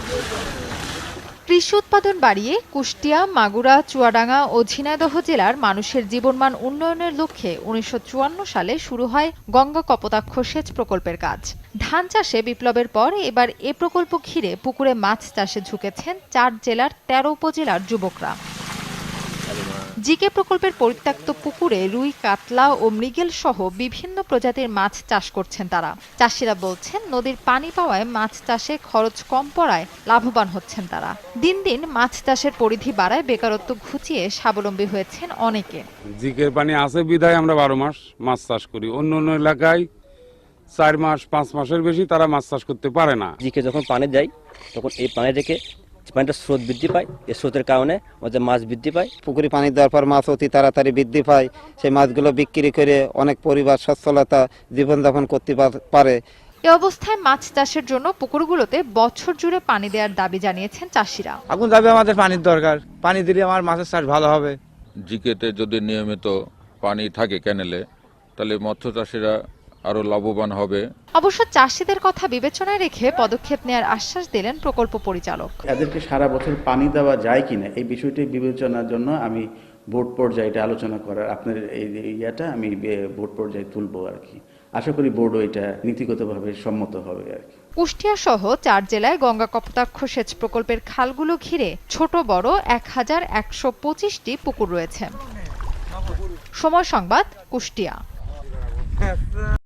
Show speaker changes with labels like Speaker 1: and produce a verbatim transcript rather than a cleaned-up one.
Speaker 1: কৃষি উৎপাদন বাড়িয়ে কুষ্টিয়া, মাগুরা, চুয়াডাঙ্গা ও ঝিনাইদহ জেলার মানুষের জীবনমান উন্নয়নের লক্ষ্যে উনিশশো চুয়ান্ন সালে শুরু হয় গঙ্গা কপোতাক্ষ সেচ প্রকল্পের কাজ। ধান চাষে বিপ্লবের পর এবার এ প্রকল্প ঘিরে পুকুরে মাছ চাষে ঝুঁকেছেন চার জেলার তেরো উপজেলার যুবকরা। জিকে প্রকল্পের পরিত্যক্ত পুকুরে রুই, কাতলা ও মৃগেল সহ বিভিন্ন প্রজাতির মাছ চাষ করছেন তারা। চাষিরা বলছেন, নদীর পানি পাওয়ায় মাছ চাষে খরচ কম পড়ায় লাভবান হচ্ছেন তারা। দিন দিন মাছ চাষের পরিধি বাড়ায় বেকারত্ব ঘুচিয়ে স্বাবলম্বী হয়েছেন অনেকে।
Speaker 2: জিকের পানি আছে বিধায় আমরা বারো মাস মাছ চাষ করি। অন্য অন্য এলাকায় চার মাস পাঁচ মাসের বেশি তারা মাছ চাষ করতে পারে না।
Speaker 3: জিকে যখন পানি যায় তখন এই পানি রেখে পানিটা স্রোত বৃদ্ধি পায়, এই স্রোতের কারণে আমাদের মাছ বৃদ্ধি পায়।
Speaker 4: পুকুরে পানি দেওয়ার পর মাছ অতি তাড়াতাড়ি বৃদ্ধি পায়। সেই মাছগুলো বিক্রি করে অনেক পরিবার সচ্ছলতা জীবনযাপন করতে পারে।
Speaker 1: এ অবস্থায় মাছ চাষের জন্য পুকুরগুলোতে বছর জুড়ে পানি দেওয়ার দাবি জানিয়েছেন চাষিরা।
Speaker 5: এখন যাবে আমাদের পানির দরকার, পানি দিলে আমার মাছের চাষ ভালো হবে।
Speaker 6: জিকেতে যদি নিয়মিত পানি থাকে ক্যানেলে, তাহলে মৎস্য চাষিরা আরো লাভবান হবে।
Speaker 1: অবশ্য চাষিদের কথা বিবেচনায় রেখে পদক্ষেপ নেওয়ার আশ্বাস দিলেন প্রকল্প পরিচালক।
Speaker 7: এদেরকে সারা বছর পানি দেওয়া যায় কিনা এই বিষয়টি বিবেচনার জন্য আমি বোর্ড পর্যায়ে এটা আলোচনা করার আপনার এই ইয়াটা আমি বোর্ড পর্যায়ে তুলবো আর কি। আশা করি বোর্ডও এটা নীতিগতভাবে সম্মত হবে আর কি।
Speaker 1: কুষ্টিয়া সহ চার জেলায় গঙ্গা কপোতাক্ষ সেচ প্রকল্পের খালগুলো ঘিরে ছোট বড় এক হাজার একশো পঁচিশটি পুকুর রয়েছে। সময় সংবাদ, কুষ্টিয়া।